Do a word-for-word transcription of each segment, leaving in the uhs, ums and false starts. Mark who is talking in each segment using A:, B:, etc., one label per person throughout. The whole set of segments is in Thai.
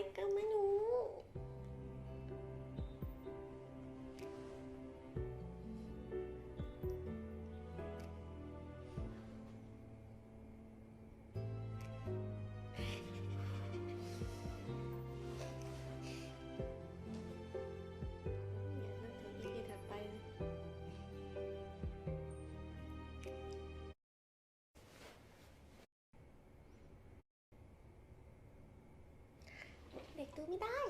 A: ก็ไม่รู้เด็กดูไม่ได้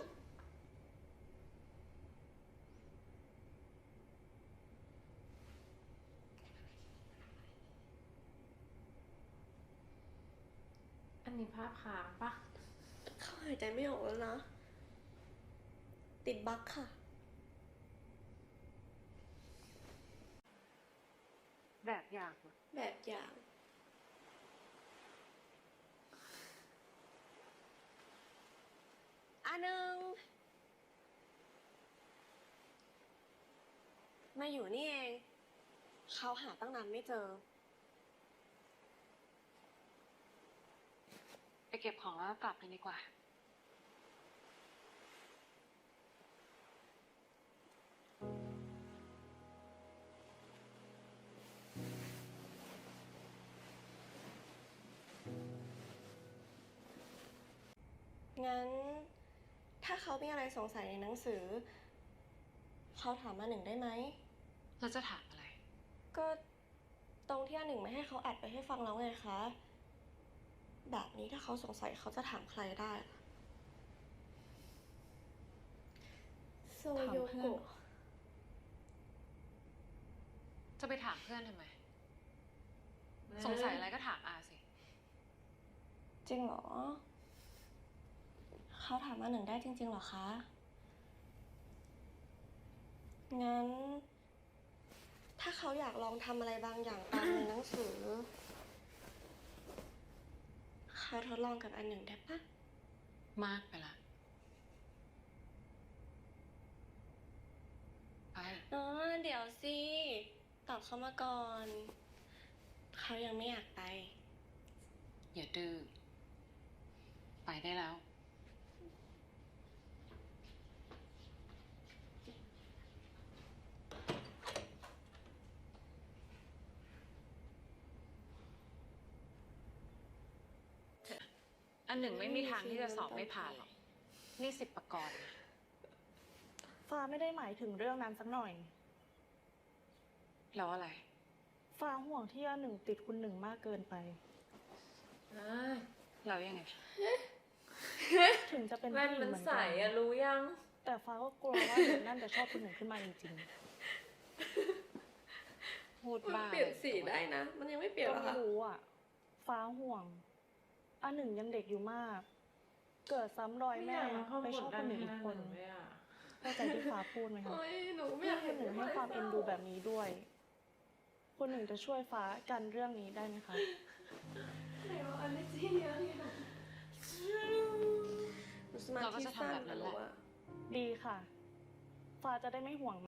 B: อันนี้ภาพค้างปะ
A: เขาหายใจไม่ออกแล้วนะติดบั๊กค่ะ
B: แบบอย่าง
A: แบบอย่างอันหนึ่งมาอยู่นี่เองเขาหาตั้งนานไม่เจอ
B: ไปเก็บของแล้วกลับกันดีกว่า
A: งั้นถ้าเขามีอะไรสงสัยในหนังสือเขาถามมาหนึ่งได้ไหม
B: เราจะถามอะไร
A: ก็ตรงที่อันหนึ่งไม่ให้เขาอัดไปให้ฟังแล้วไงคะแบบนี้ถ้าเขาสงสัยเขาจะถามใครได้โซโยโกะ
B: จะไปถามเพื่อนทำไมสงสัยอะไรก็ถามอาสิ
A: จริงเหรอเขาถามมาหนึ่งได้จริงๆเหรอคะงั้นถ้าเขาอยากลองทำอะไรบางอย่างตามในหนังสือเขาทดลองกับอันหนึ่งได้ปะ
B: มากไปละไป
A: อ๋อเดี๋ยวสิตอบเขามาก่อนเขายังไม่อยากไป
B: อย่าดื้อไปได้แล้วอันหนึ่งไม่มีทางที่จะสอบไม่ผ่านหรอกนี่สิบประกรณ์นะ
C: ฟ้าไม่ได้หมายถึงเรื่องนั้นสักหน่อย
B: แล้วอะไร
C: ฟ้าห่วงที่อันหนึ่งติดคุณหนึ่งมากเกินไป
B: แล้วยังไง
C: ถึงจะเป็น
D: แว่นมันใสอะรู้ยัง
C: แต่ฟ้าก็กลัวว่าเด็กนั่นจะชอบคุณหนึ่งขึ้นมาจริง
B: ๆพูดบ้า
A: เปลี่ยนสีได้นะมันยังไม่เปลี่ยนหรอ
C: ก็ไม่รู้อ่ะฟ้าห่วงอันหนึ่งยังเด็กอยู่มากเกิดซ้ำรอยแม่ไปชอบคนหนึ่งอีกคนเข้าใจที่ฟ้าพูดไหมคะที่คุณหนึ่งให้ความเอ็นดูแบบนี้ด้วยคุณหนึ่งจะช่วยฟ้ากันเรื่องนี้ได้ไหมคะ
B: เราก็จะทำแบบนั้นแหละ
C: ดีค่ะฟ้าจะได้ไม่ห่วง